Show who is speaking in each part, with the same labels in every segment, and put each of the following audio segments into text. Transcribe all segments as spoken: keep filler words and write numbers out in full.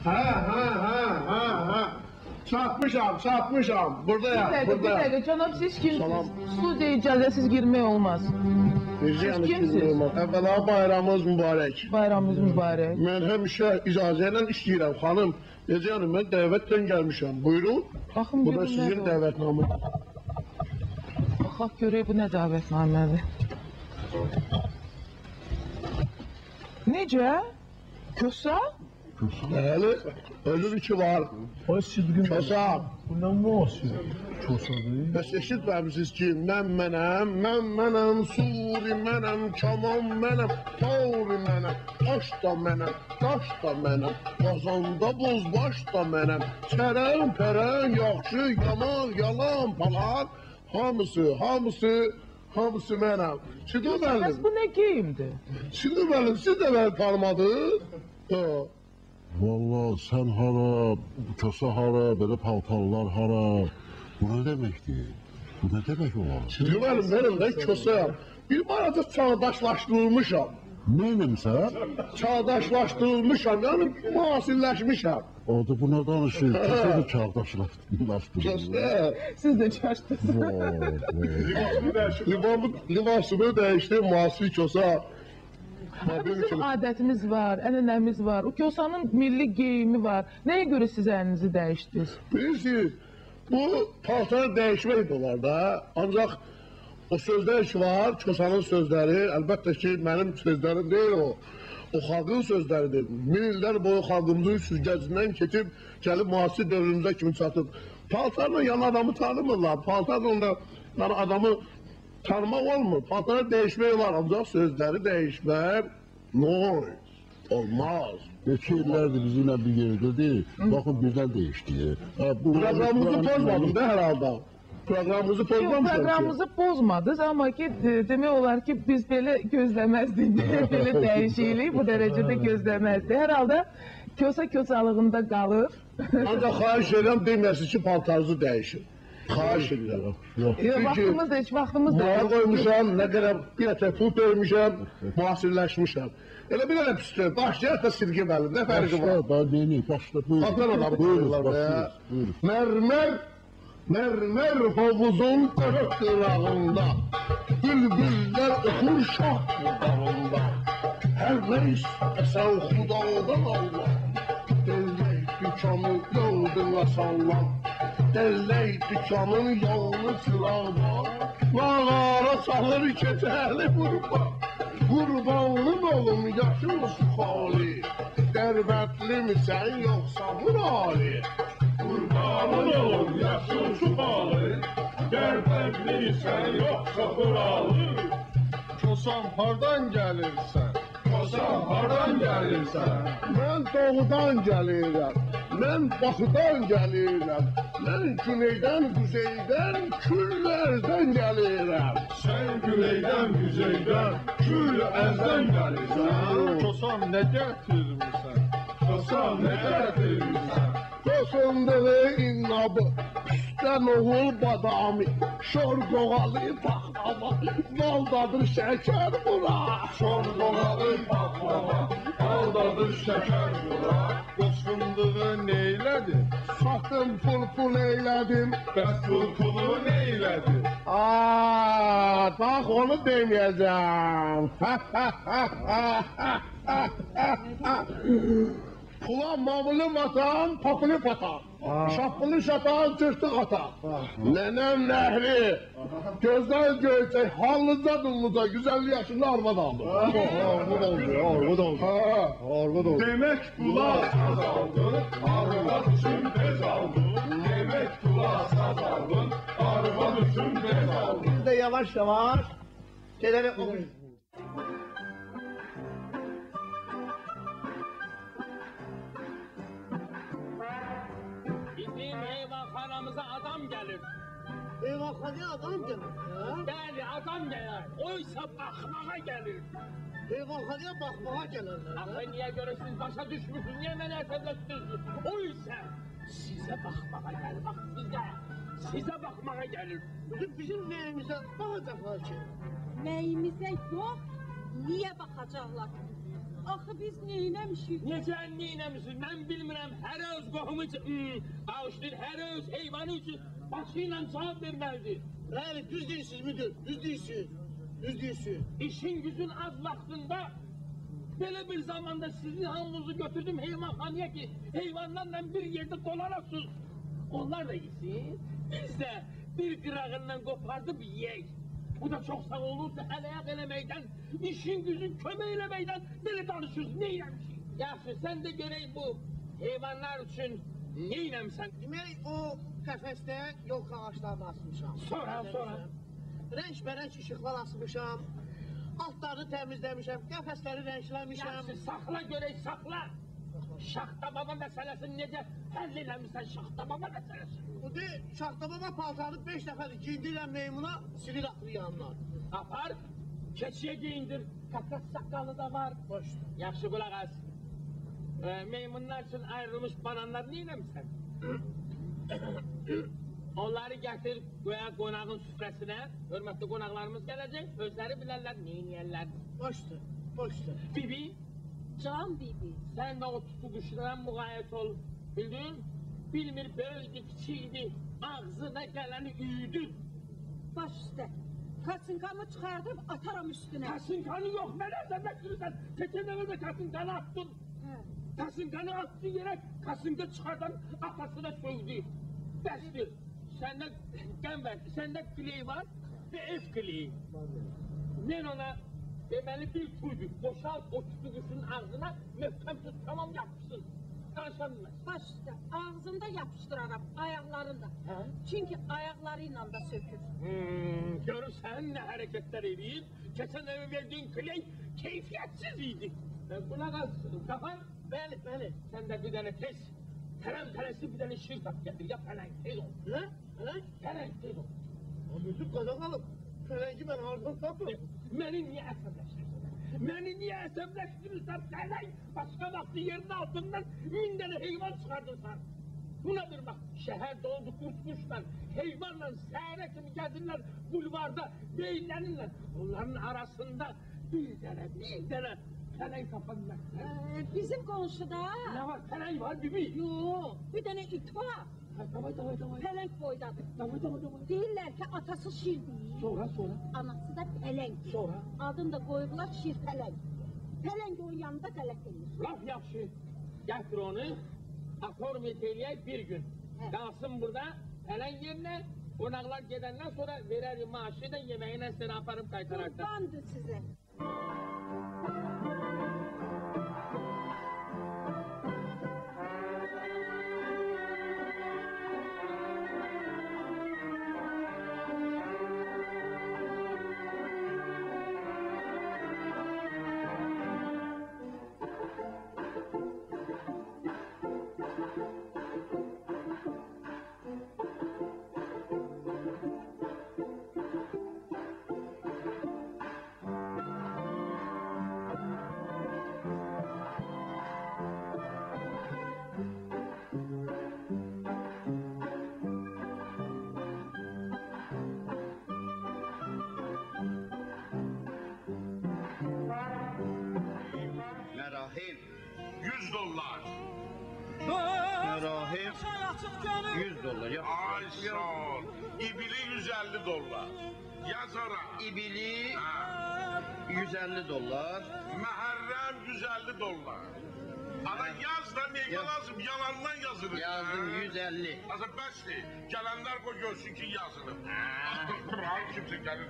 Speaker 1: Ha ha ha ha ha. Çatmışam, çatmışam. Buradayım,
Speaker 2: Bir dakika, bir
Speaker 1: buradayım.
Speaker 2: dakika. Canım siz kimsiniz?
Speaker 1: Salam.
Speaker 2: Studiya icazəsiz girmək olmaz.
Speaker 1: Necə yəni
Speaker 2: kimsiz?
Speaker 1: kimsiniz? Əvvəla bayramınız mübarək.
Speaker 2: Bayramınız mübarək.
Speaker 1: Mən həmişə icazə ilə işləyirəm, xanım. Necə yəni, mən dəvətdən gəlmişəm. Buyurun.
Speaker 2: Baxın,
Speaker 1: Bu da
Speaker 2: görün
Speaker 1: sizin
Speaker 2: nədir o?
Speaker 1: dəvətnamınız.
Speaker 2: Baxaq görək bu nə dəvətnamədir. Necə? Kösa?
Speaker 1: Bəli, ölür ki var.
Speaker 3: Ay Sidqin,
Speaker 1: Kösa.
Speaker 3: bu nə müasir? Kösadır.
Speaker 1: Bəs eşitməmisiniz ki, mən mənəm, mən mənəm, suri mənəm, kaman mənəm, tauri mənəm, taş da mənəm, daş da mənəm, qazanda bozbaş da mənəm, çərən, pərən, yaxşı, yaman, yalan, palan, hamısı, hamısı, hamısı mənəm. Şimdi
Speaker 2: Bəs
Speaker 1: mənim,
Speaker 2: bu nə geyimdir?
Speaker 1: şimdi mənim, siz də məni tanımadınız? Ha.
Speaker 4: Valla sen hara, bu köse hara, böyle paltarlar hara. Bu ne demektir? Bu ne demek olar?
Speaker 1: Şimdi mənim, mənim də kösəyəm. Bir arada çağdaşlaşdırılmışam.
Speaker 4: Neyim sen?
Speaker 1: Çağdaşlaşdırılmışam, yəni müasirləşmişəm.
Speaker 4: Orada bu ne danışır? Köse de çağdaşlaştırır.
Speaker 1: Kösə.
Speaker 2: Siz də çaşdınız.
Speaker 1: Libamı, libasımı dəyişdi, müasir kösə.
Speaker 2: Bizim adətimiz var, ənənəmiz var. O Kosanın milli geyimi var. Nəyə görə siz əlinizi dəyişdiniz?
Speaker 1: Bilirsiniz, bu paltar dəyişmək də olar da. Ancaq o sözlər ki var, kösanın sözləri, əlbəttə ki, mənim sözlərim deyil o. O xalqın sözləridir. Min illər boyu xalqımızın süzgəcindən keçib, gəlib müasir dövrümüzə kimi çatıb. Paltarla yan adamı tanımırlar. Paltarla da yəni adamı tanımaq olmur. Paltarı dəyişmək var, ancaq sözləri dəyişmək noise. Olmaz.
Speaker 4: Geçi illerdir bizimle bir yerde değil. Bakın birden değişti. Ha, bu
Speaker 1: Proqramımızı pozmadın da hər halda. Proqramımızı
Speaker 2: Yox,
Speaker 1: pozmamışam ki.
Speaker 2: proqramımızı pozmadınız, amma ki de- demək olar ki biz belə gözləməzdik. Belə dəyişiklik bu dərəcədə gözləməzdik. Hər halda Kosa kösalığında qalır.
Speaker 1: Ancaq xahiş edirəm deməyəsiniz ki, paltarınızı dəyişin. Xahiş edirəm.
Speaker 4: Yok.
Speaker 2: Yox, vaxtımız da heç vaxtımız da
Speaker 1: Maya
Speaker 2: yox.
Speaker 1: qoymuşam, nə qədər bir ətə pul vermişəm, müasirləşmişəm. Elə bir dənə pisdir, başlayaq da silgi məlim, nə fərqi var?
Speaker 4: Başla, daha yeni. Başla, buyurun.
Speaker 1: Adnan adamı
Speaker 4: Buyurun,
Speaker 1: tanırlar be.
Speaker 4: başlıyoruz. Buyurun.
Speaker 1: Mərmər, mərmər hovuzun qırıq qırağında, bülbüllər oxur şah budağında. Hər nə istəsən xudadan Allah, dəllək dükanı yolduğuna sallam. Dəllək dükanın yolunu çırağdan, lağara salır keçəli vurma. Qurbanlım olum yaşım suxali, dərbətli misən yoxsa murali?
Speaker 5: Qurbanın olum yaşım suxali, dərbətli misən yoxsa murali?
Speaker 1: Kosam hardan gəlirsən?
Speaker 5: Kosam hardan gəlirsən?
Speaker 1: Mən doğudan gəlirəm, mən baxıdan gəlirəm, mən güneydən, quzeydən, küllərdən gəlirəm.
Speaker 5: Sən güneydən, güzeydən, kül əzdən gəlirsən.
Speaker 1: Kosam nə gətirmirsən?
Speaker 5: Kosam nə gətirmirsən?
Speaker 1: Kosunduğu innabı, püstən oğul badami, şor qoğalı paxlava, baldadır şəkər bura.
Speaker 5: Şor qoğalı paxlava, baldadır şəkər bura.
Speaker 1: Qosunduğu neylədi? Satın pul pul eylədim.
Speaker 5: Bəs pul pulu neylədi?
Speaker 1: Aaa, bax onu deməyəcəm. Pula mamulu matan, papulu patan. Şapılı şatan, tırtık atan. Nenem nehri. Gözler göğsey, hallıca dulluca, yüz elli yaşında arvad aldı. Arvad oldu, arvad oldu. Arvad oldu.
Speaker 5: Demək pula saz aldın, arvad üçün bez aldın. Demək pula saz aldın, arvad üçün bez aldın.
Speaker 6: Biz de yavaş yavaş şeyleri okuyun.
Speaker 7: Bizim heyvanxanamıza adam gelir.
Speaker 6: Eyvallah adam gelir.
Speaker 7: Bəli, adam gelir. Oysa baxmağa gelir.
Speaker 6: Eyvallah bakmaya gelirler.
Speaker 7: Axı niyə görə siz başa düşmüsünüz, niyə mənə əsəbləşdirirsiniz? Oysa sizə baxmağa gelir, bax sizə. Sizə baxmağa gelir.
Speaker 6: Bizim, bizim neyimize bakacaklar ki.
Speaker 8: Nəyimizə yox, niyə baxacaqlar? Axı biz neynəmişik?
Speaker 7: Necə neynəmişsin? Mən bilmirəm, hər öz qohumu üçün, hmm, bağışlayın, hər öz heyvanı üçün başı ilə cavab verməlidir.
Speaker 6: Bəli, düz deyirsiniz müdür, düz deyirsiniz. Düz deyirsiniz.
Speaker 7: İşin gücün az vaxtında belə bir zamanda sizin hamınızı götürdüm heyvanxanaya ki, heyvanlarla bir yerdə dolanasınız. Onlar da yesin, biz də bir qırağından qopardıb yiyək. Bu da çok sağ olursa el-ayak elemeyden, işin gücün kömək eləməkdən belə danışırız, neynəmişik? Yaxşı, sen de göreyim bu heyvanlar için neynəmişsən?
Speaker 6: Demək, o qəfəsdə yolka ağaçlarını asmışam.
Speaker 7: Sonra, sonra.
Speaker 6: Rənk-bərənk işıqlar asmışam. Altlarını təmizləmişəm, qəfəsləri rəngləmişəm.
Speaker 7: Yaxşı, saxla görək, saxla. Şaxta baba meselesini necə həll eləmişsən şaxta baba meselesini?
Speaker 6: Bu de, Şaxta baba paltarını beş dəfədir giyindirəm meymuna, silir atır yanlar.
Speaker 7: Apar, keçiyə geyindir, kakas sakalı da var.
Speaker 6: Boş.
Speaker 7: Yaxşı qulaq as. Ee, meymunlar için ayrılmış bananlar neynəmişsən? Onları gətir, qoya qonağın süfrəsinə, hörmətli qonaqlarımız gələcək, özləri bilərlər, neynəyərlər.
Speaker 6: Boşdur, boşdur.
Speaker 7: Bibi,
Speaker 8: Can bibi.
Speaker 7: sen de o tutuşuna mukayyet ol, bildin? Bilmir böyüdü, kiçiydi, ağzına geleni üydü.
Speaker 8: Baş üstə. Kaçınkamı çıxardıb ataram üstünə.
Speaker 7: Kasınkanı yok, nerede bekliyorsun? Keçen eve de kasınkanı attın.
Speaker 8: Hə.
Speaker 7: Kasınkanı attı yere, kasınka çıkardan atasına sövdü. Bəsdir, sende qəm verdi, sende kley var ve ev kleyi. Ben ona deməli bir tüydü, boşalt o tutuşun ağzına, möhkəm tut, tamam yapsın. Danışamaz.
Speaker 8: Baş üstə. Ağzında yapışdıraram, ayaqlarında.
Speaker 7: Hə?
Speaker 8: Çünki ayaqları ilə də sökür.
Speaker 7: Hmm, görürsən nə hərəkətlər eləyir? Keçən eve verdiğin kley keyfiyyətsiz idi. Ben buna qalsın, kafan.
Speaker 6: Bəli, bəli.
Speaker 7: Sen de bir tane tez, terem teresi bir tane şiir tap getir, ya peleŋ, tez ol.
Speaker 6: Ne? Ne?
Speaker 7: Peleŋ, tez ol.
Speaker 6: Müdür qazanalım. Fələngi mən hardan tapıram?
Speaker 7: Məni niye əsəbləşdirirsən? Məni niye əsəbləşdirirsən peleŋ? Başka vaxtı yerin altından min tane heyvan çıxardırsan. Buna bir bak, şehir doldu kurtmuşlar, heyvanla səhərə kimi gəlirlər bulvarda, beyinlənirlər. Onların arasında bir tane, bir tane peleŋ tapanlar.
Speaker 8: Ee, bizim qonşuda...
Speaker 7: Ne var, peleŋ var bibi?
Speaker 8: Yox, bir dənə it var.
Speaker 7: Ha, davay, davay, davay.
Speaker 8: Pələng boydadır.
Speaker 7: Davay, davay, davay.
Speaker 8: Deyirlər ki, atası şir deyil.
Speaker 7: Sonra, sonra.
Speaker 8: Anası da pələng.
Speaker 7: Sonra?
Speaker 8: Adını da qoyublar şir pələng. Pələng onun yanında qələt edir.
Speaker 7: Laf yaxşı. Gətir onu, aformiyet eləyək bir gün.
Speaker 8: Hə.
Speaker 7: Qalsın burada, pələng yerinə, qonaqlar gedəndən sonra verərik maaşı da yeməyinə səni aparıb qaytararsan.
Speaker 8: Qurbandır sizə.
Speaker 5: Merahim. Yüz dolar.
Speaker 6: Merahim.
Speaker 5: Yüz dolar. Ya. Ay sağ ol. İbili yüz elli dolar. Yaz ora.
Speaker 6: İbili
Speaker 5: Ha.
Speaker 6: yüz elli dolar.
Speaker 5: Muharrem yüz elli dolar. Ana yaz da neye
Speaker 6: Yaz.
Speaker 5: lazım? Yalandan yazılır.
Speaker 6: Yazdım
Speaker 5: Ha.
Speaker 6: yüz elli.
Speaker 5: Azı bəsdir. Gələnlər qoy görsün ki yazılıb. Qıral kimsə gəlir.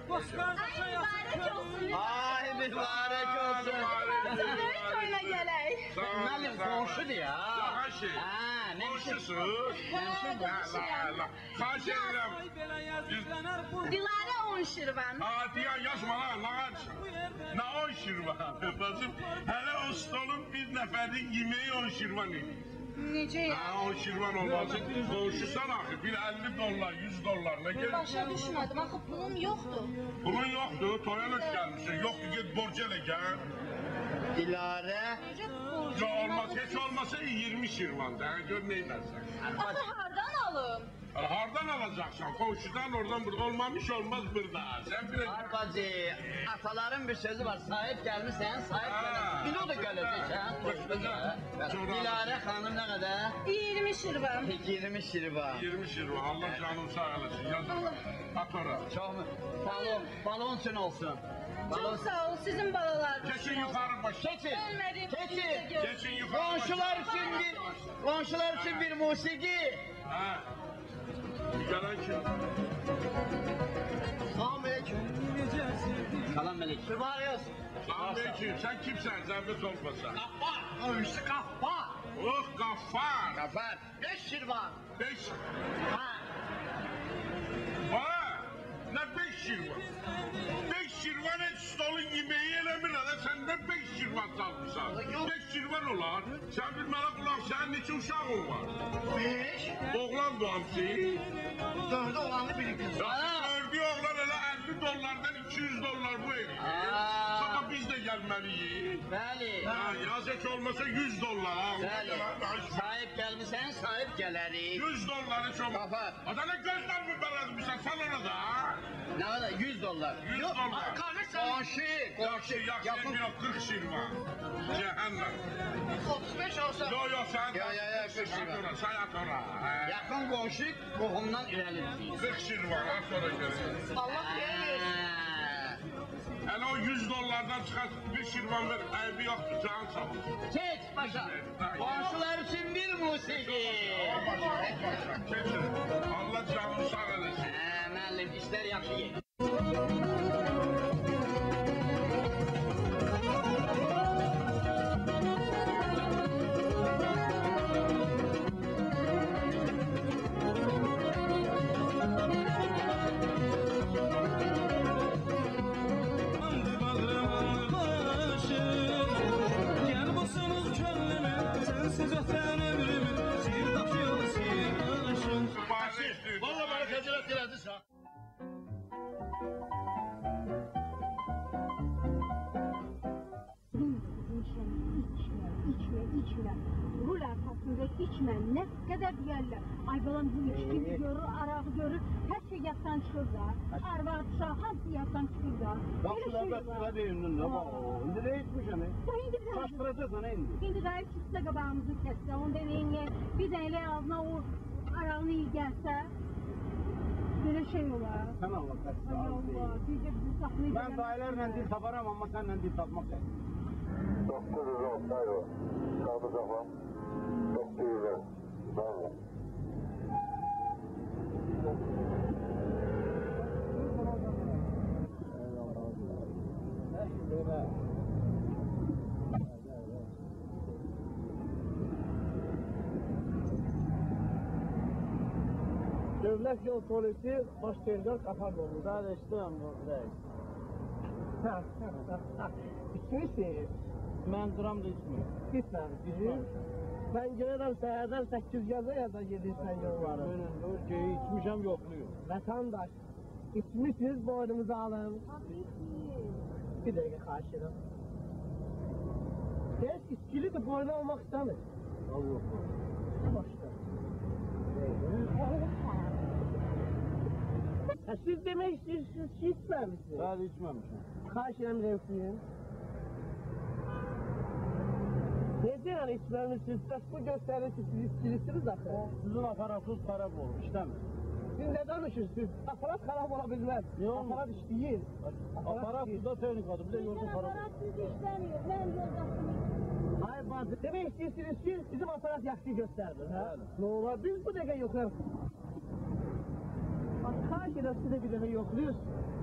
Speaker 6: Ay mübarek olsun.
Speaker 5: Böyle
Speaker 8: gələk.
Speaker 6: Mənim qonşudur ya.
Speaker 5: Daha şey.
Speaker 6: Ha, ne biçim?
Speaker 5: Qonşusun.
Speaker 8: qonşuyam.
Speaker 5: Xahiş edirəm.
Speaker 8: Dilarə on şirvan.
Speaker 5: Ha, diya yazma ha, nə qarşı? Nə on şirvan? Bacım, hələ o stolun bir nəfərin yeməyi on şirvan edir.
Speaker 8: Necə ya?
Speaker 5: Ha, on şirvan olmazsa qonşusan axı, bir elli dollar, yüz dollar, nə gəlir?
Speaker 8: Başa düşmədim, axı pulum yoxdur.
Speaker 5: Pulun yoxdur, toya nöş gəlmişsin, yoxdur, get borc elə gəl.
Speaker 9: Dilarə.
Speaker 5: Ya olmaz, hiç olmasa yirmi şirvan da. Gör neylersen.
Speaker 8: Ata hardan alım?
Speaker 5: Hardan alacaksan? Komşudan oradan burada olmamış olmaz burada. Sen biraz...
Speaker 9: Bacı, ataların bir sözü var. Sahip gelmişsen sahip
Speaker 5: Ha.
Speaker 9: gelir. Bir o da geleceksen. Dilarə xanım ne kadar?
Speaker 8: yirmi şirvan.
Speaker 5: yirmi
Speaker 9: yirmi şirvan.
Speaker 5: şirvan. Allah canım sağ olasın. Yaz at ora.
Speaker 9: Çok mu? Balon, balon için olsun. Balon.
Speaker 8: Çok sağ ol sizin balalar.
Speaker 5: Geçin yukarı baş.
Speaker 9: Keçin.
Speaker 8: Ölmedim.
Speaker 9: Keçin.
Speaker 5: Geçin yukarı baş.
Speaker 9: Komşular için bir, komşular için bir musiki.
Speaker 5: Ha. Bir gelen kim?
Speaker 9: Selamünaleyküm. Salam melek. Mübarek.
Speaker 5: Selamünaleyküm. Sen kimsen? Zahmet olmasa.
Speaker 9: Gaffar. Komşu Gaffar.
Speaker 5: Oh Gaffar.
Speaker 9: Gaffar. Beş şirvan.
Speaker 5: Beş.
Speaker 9: Ha.
Speaker 5: Ha. Ne beş şirvan? Beş şirvan et stolun yemeği elemir hele sen ne beş şirvan salmışsan? Beş şirvan olar. Sen bilmeli kulak senin neçə uşağın var?
Speaker 9: Beş.
Speaker 5: Oğlan doğamsı.
Speaker 9: Dördü olanı biriktir.
Speaker 5: Gördüğü oğlan hele elli dolardan iki yüz dolar bu evi.
Speaker 9: Aa.
Speaker 5: Sana biz de gelmeliyiz.
Speaker 9: Bəli.
Speaker 5: Ha, yaz et olmasa yüz dolar. Ha.
Speaker 9: Bəli. Sahip gelmişsen sahip gelerik.
Speaker 5: yüz doları çok.
Speaker 9: Kapat.
Speaker 5: Adana gözler mi beledmişsen sen ona da. ha?
Speaker 9: Ne kadar? yüz dolar.
Speaker 5: yüz
Speaker 9: Yok,
Speaker 5: dolar.
Speaker 9: Komşu. Komşu.
Speaker 5: Yaxşı, yaxşı,
Speaker 9: Yakın.
Speaker 5: bir kırk şirvan. Cehennem.
Speaker 9: otuz beş olsa.
Speaker 5: Yo yo sen.
Speaker 9: Yo, yo, yo, kırk şirvan.
Speaker 5: Sayat ora, sayat ora. Ha.
Speaker 9: Yakın komşu kohumdan ilerlidir.
Speaker 5: kırk şirvan, ha sonra görürüz.
Speaker 9: Allah bilir.
Speaker 5: Hele o yüz dolardan çıkan bir şirvan ver, ayıbı yoktur, can sağ ol.
Speaker 9: Geç başa. Komşular için bir musiki.
Speaker 5: Keçin, Allah canını sağ eləsin.
Speaker 9: He müəllim işler yaxşı gedir.
Speaker 5: Valla bana fecilet diledin sen.
Speaker 8: İçme, içme, içme. Rul arkasında içme. Ne kadar deyərlər. Ay balam bu içkini görür, arağı görür. Her şey yattan çıxır da. Arvad, uşaq, hamısı yattan çıxır da. Böyle şey var.
Speaker 3: Deyimdin de bak. İndi ne içmiş hani?
Speaker 8: Sen indi bir
Speaker 3: Kaçtıracaksın indi.
Speaker 8: Şimdi dayı çıksa qabağımızı kəssə, onu deməyin bir dələ ağzına o arağını iyi gəlsə, böyle şey olar.
Speaker 3: Sen Allah
Speaker 8: Ay
Speaker 3: kaçtı.
Speaker 8: Allah, diyecek bizi saxlayacaq.
Speaker 3: Ben dayılarla dil taparım ama seninle dil tapmak yok.
Speaker 4: dokuz yüz on, hayır. Kaldı kafam. dokuz yüz on. Bravo.
Speaker 6: Devlet yol polisi baş terör kapan oldu. Daha istemem bu İçmişsiniz.
Speaker 3: Ben duram da içmiyorum.
Speaker 6: Gitmemişsiniz. Ben gelirim səhərdən səkkiz gəzə ya da gedirsən yolları.
Speaker 3: Ben ölçeği içmişim yokluyor.
Speaker 6: Vatandaş, içmişsiniz boynunuzu alın. Bir dakika karşıdan. Ters içkili de boynu olmak istemez.
Speaker 3: Al yok.
Speaker 6: Başka. Ha, siz demek istiyorsunuz ki içmemişsiniz.
Speaker 3: Daha da içmemişim.
Speaker 6: Karşıdan reflüyüm. Ne diyor içmemişsiniz? Siz bu gösterir ki siz içkilisiniz zaten.
Speaker 3: Sizin aparatsız taraf olur, işte mi?
Speaker 6: Siz ne danışırsınız? Aparat karab olabilmez.
Speaker 3: Ne olmuş?
Speaker 6: Aparat iş değil.
Speaker 3: Aparat
Speaker 6: değil.
Speaker 3: suda tehlikeli, bir de yolda para.
Speaker 8: Aparatsız işlemiyor. Ben yoldaşım.
Speaker 6: Hayır bazı. Demek istiyorsunuz ki bizim aparat yaktığı gösterdi. Ha?
Speaker 3: Öyle.
Speaker 6: Ne olur biz bu dakika yoklar. Bak karşıda size bir dakika yokluyoruz.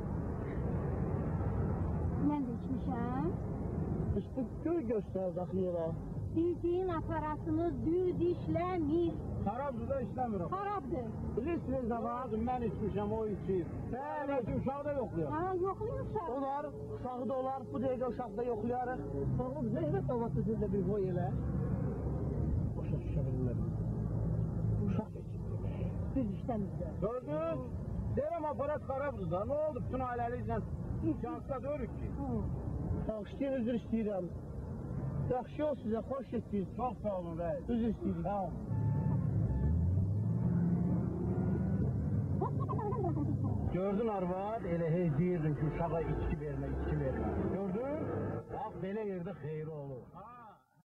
Speaker 8: Ben de içmişim.
Speaker 6: İşte köy gösterdi akıyla.
Speaker 8: Bildiğin aparatımız düz işlemir.
Speaker 3: Taraf suda işlemiyorum.
Speaker 8: Harapdır.
Speaker 6: Bilirsiniz ama
Speaker 3: Lazım ben içmişim, o içeyim. Evet, uşağı da yokluyor.
Speaker 8: Ha yokluyorsa.
Speaker 6: onlar uşağı da olar, bu dakika uşağı da yoklayarıq. Oğlum zeynet olması sizde bir boy elə. Boşa düşebilirler. Uşaq için.
Speaker 8: Düz işlemizde.
Speaker 3: Gördünüz? Derim aparat karabdı da, ne oldu bütün ailelikle şansla dörük ki?
Speaker 6: Bağışlayın özür istəyirəm. Yaxşı ol sizə, xoş etdiniz.
Speaker 3: Çox sağ olun rəis.
Speaker 6: Düz istəyirik.
Speaker 3: Sağ olun. Gördün arvad, elə hey deyirdin ki, uşağa içki vermə, içki vermə. Gördün? Bax, belə yerdə xeyri olur.